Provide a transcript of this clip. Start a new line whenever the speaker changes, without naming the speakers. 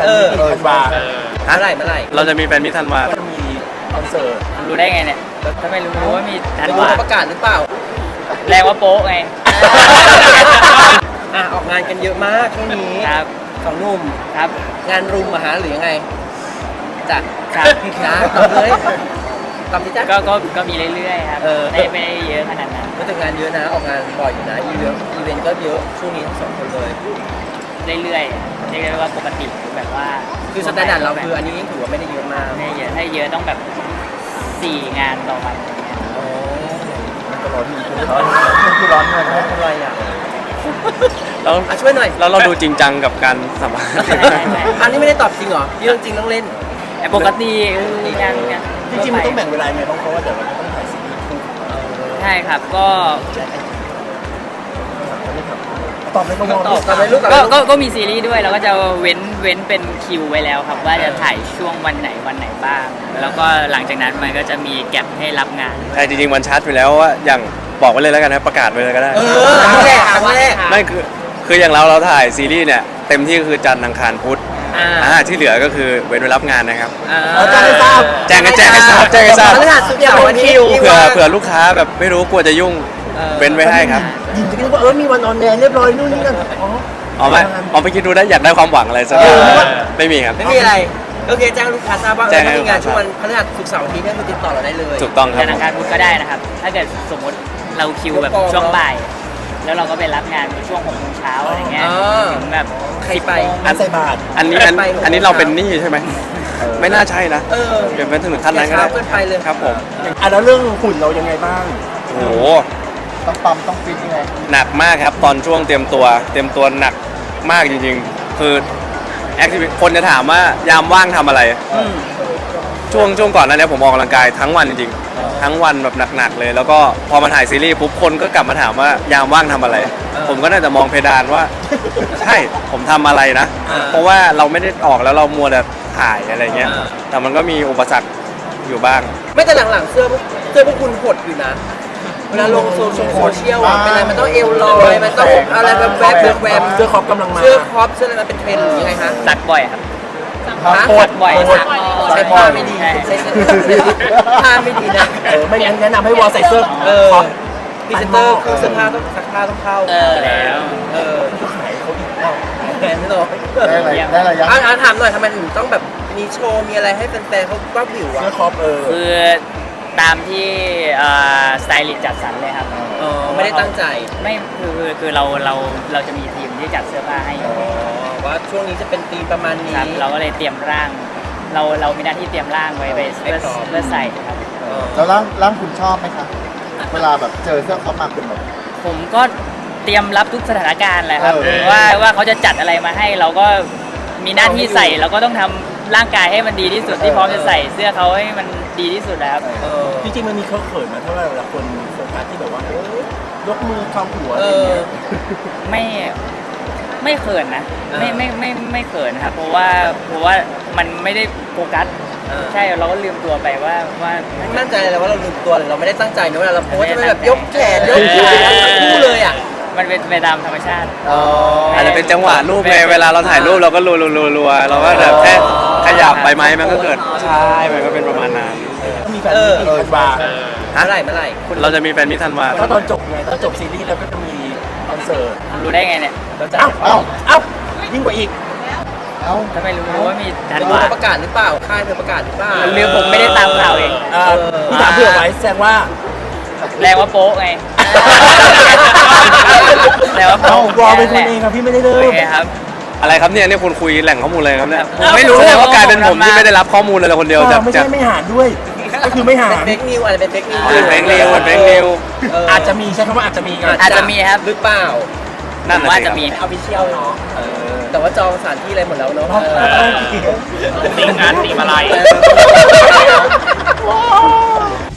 นมิตรธันวา
เมื่อไหร่
เราจะมีแฟนมิตรธันวา
ก็จะมีคอนเสิร์ต
รู้ได้ไงเนี่ยถ้าไม่รู้ว่ามีธันวา
ประกาศหรือเปล่า
แรงว่าโป๊ะไง
ออกงานกันเยอะมากช่วงนี้
ครับ
สองหนุ่ม
ครับ
งานรุมหรือยังไงจ้ะ
ครับ
นะตอบเลยตอบสิจ้ะ
ก็มีเรื่อยๆครับ ไม่ได้เยอะขนาดนั้น
ก็แต่งานเยอะนะออกงานบ่อยอยู่นะอีเวนต์ก็เยอะช่วงนี้ทั้งสองคนเลย
เรื่อยๆเรียกได้ว่าปกติแบบว่า
คือสแตนดาร์ดเราคืออันนี้ยังถือว่าไม่ได้เยอะมาก
ไม่เยอะถ้าเยอะต้องแบบ4 งานต่อวันอย่างเงี้ย
อ๋อ
ก็ร้อนอยู่คือร้อนเงินนะ
อะไรอ่ะ
เรา
ช่วยหน่อย
เราดูจริงจังกับการสัมภาษณ์
อันนี้ไม่ได้ตอบจริงเหรอเรื่องจริงต้องเล่น
แต่ปกติงาน
จริงๆมันต้องแบ่งเวลาไงบ้างเพราะว่าเดี๋ยวเราจะต้องถ่ายซีรีส์คู่
ใช่ครับก็
ตอบเลยก็มอง
ตอบเลยลูกตอบเลยลูก
ก็มีซีรีส์ด้วยเราก็จะเว้นเป็นคิวไว้แล้วครับว่าจะถ่ายช่วงวันไหนบ้าง แล้วก็หลังจากนั้นมันก็จะมีแก็บให้รับงาน
ใช่จริงๆมันชัดไปแล้วว่าอย่างบอกไว้เลยแล้วกันนะประกาศไว้เลยก็ได้
ครั้งแรก
ไม่คืออย่างเราถ่ายซีรีส์เนี่ยเต็มที่คือจันทร์อังคารพุธที่เหลือก็คือเว้นไว้รับงานนะครับ
แจ้งให้ทราบ
แจ้งให้ทราบ
พฤหัสศุกร์เสาร์อาทิตย์
เผื่อลูกค้าแบบไม่รู้กลัวจะยุ่งเว้นไว้ให้ครับ
ยินจะคิดว่ามีวันออนแอร์เรียบร้อยนู่นนี่นั่นอ๋อ
เอาไปคิดดูได้อยากได้ความหวังอะไรสักอย่างไม่มีครับ
ไม่มีอะไรโอเคแจ้งลูกค้าทราบว่า
แจ้ง
ถ้า
ให้
มีงานช่วงวันพฤหัสศุกร์เสาร์อาทิตย์เนี่ยคือติดต่อเราได้เลย
ถูกต้องครับ
ธนาคารพุธก็ได้นะครับ ถ้าเกิดสมมติเราคิวแบบช่วงบ่าย แล้วเราก็ไปรับงานในช่วง6 โมงเช้าอะไรเงี้ยถึงแบบ
ใครไป
อันใส่บาท
อันนี้เราเป็นหนี้ใช่ไหมไม่น่าใช่นะเดี๋ยวเป็นถึงขั้นนั้นก็ได้
เกินไปเลย
ครับผม
แล้วเรื่องหุ่นเรายังไงบ้าง
โอ้โห
ต้องปั๊มต้องฟิตยังไง
หนักมากครับตอนช่วงเตรียมตัวหนักมากจริงๆ คือแอคทิวิคนจะถามว่ายามว่างทำอะไรช่วงก่อนหนั้นเนี่ยผมออกกำลังกายทั้งวันจริงๆทั้งวันแบบหนักๆเลย แล้วก็พอมาถ่ายซีรีส์ปุ๊บคนก็กลับมาถามว่ายามว่างทำอะไร ผมก็น่าจะมองเพดานว่า ใช่ผมทำอะไรนะ เพราะว่าเราไม่ได้ออกแล้วเรามัวแต่ถ่ายอะไรเงี้ยแต่มันก็มีอุปสรรคอยู่บ้าง
ไม่แต่หลังๆเสื้อพวกคุณหดอยู่นะเวลาลงโซเชียลเป็นอะไรมันต้องเอวลอยมันต้องอะไรแบบแวบ
เสื้อครอปกำลังมา
เสื้อครอปเสื้ออะไรมันเป็นเทรนด์หรือยังไงคะ
สักบ่อยครับ
โคตร
บ่อย
ใช้ผ้าไม่ดีใช้ผ้าไม่ดีนะ
ไม่งั้นแนะนำให้วอลใส่เสื้อ
พรีเซนเตอร์คือเสื้อผ้าต้องซักผ้าต้องเข้า
แล้ว
ขายเขาอีก
แทนไม่ต้อง
ได้อะไรยัง
ถามหน่อยทำไมถึงต้องแบบมีโชว์มีอะไรให้แฟนๆเขาว่าวิวอ่ะ
เสื้อครอป
คือตามที่สไตลิสต์จัดสรรเลยครับ
ไม่ได้ตั้งใจ
ไม่คือเราจะมีทีมที่จัดเสื้อผ้าให้อยู่
ว่าช่วงนี้จะเป็นธีมประมาณนี้
ครับเราก็เลยเตรียมร่าง เรามีหน้าที่เตรียมร่างไว้เพื่อใส่ครับ
แล้วร่างคุณชอบไหมคะเวลาแบบเจอเสื้อครอปมาคุณแบบ
ผมก็เตรียมรับทุกสถานการณ์แหละครับ
เออ
ว่าเขาจะจัดอะไรมาให้เราก็มีหน้าที่ใส่เราก็ต้องทำร่างกายให้มันดีที่สุดที่พร้อมจะใส่เสื้อเขาให้มันดีที่สุดนะครับ
จริงๆมันมีเคอะเขินมาเท่าไหร่เวลาคนโฟกัสที่แบบว่ายกมือคำหัวอะไรอย่างเงี้ย
ไม่เขินนะไม่เขินครับเพราะว่ามันไม่ได้โฟกัสใช่เราก็ลืมตัวไปว่า
มั่นใจเลยว่าเราลืมตัวเลยเราไม่ได้ตั้งใจนะเวลาเราโพสจะไม่แบบยกแขนยกขาคู่เลยอ่ะ
มันเป็นไปตามธรรมชาติ
อาจจะเป็นจังหวะรูปไงเวลาเราถ่ายรูปเราก็รัวเราก็แบบแค่ขยับไปไหมมันก็เกิดใช่มันก็เป็นประมาณนั้น
ก็มีแฟนมิตรธันวา
เมื่อไหร่
เราจะมีแฟนมิตรธันวา
ก็ตอนจบไงตอนจบซีรีส์แล้วก็จะมีคอนเสิร์ต
รู้ได้ไงเนี่ย
เอ้ายิ่งกว่าอีก
เอ้า
ถ้าไม่รู้ว่ามีธัน
รู้
วา
ประกาศหรือเปล่าค่ายเธอประกาศหรือเปล่า
หรือผมไม่ได้ตามข่าวเอง
พี่ถามเผื่อไว้แสดงว่า
แรงว่าโป๊ะไงแรงว่า
เอ้า
โป๊ะ
วอลเป็นคนเองครับพี่ไม่ได้เริ่
โอ
ม
เคครับ
อะไรครับเนี่ยคุณคุยแหล่งข้อมูลอะไรครับเนี่ย
ผมไม่รู้
แสดงว่ากลายเป็นผมที่ไม่ได้รับข้อมูลเลยคนเดียวจาก
ไม่ใช่ไม่หารด้วย ก็คือไม่หาร
เป็นเฟกนิวอะไรเป็นเฟกนิว
เป็นเฟกนิว
อาจจะมีใช้คำว่าอาจจะมีกัน
อาจจะมีครับ
หรือเปล่า
นั่น
ว่า
น่ะ
จะ
สิ
มี
ออฟฟิเชียลเนาะแต่ว่าจองสถานที่อะไรหมดแล้วเนาะ
ตีงานตีมาลาย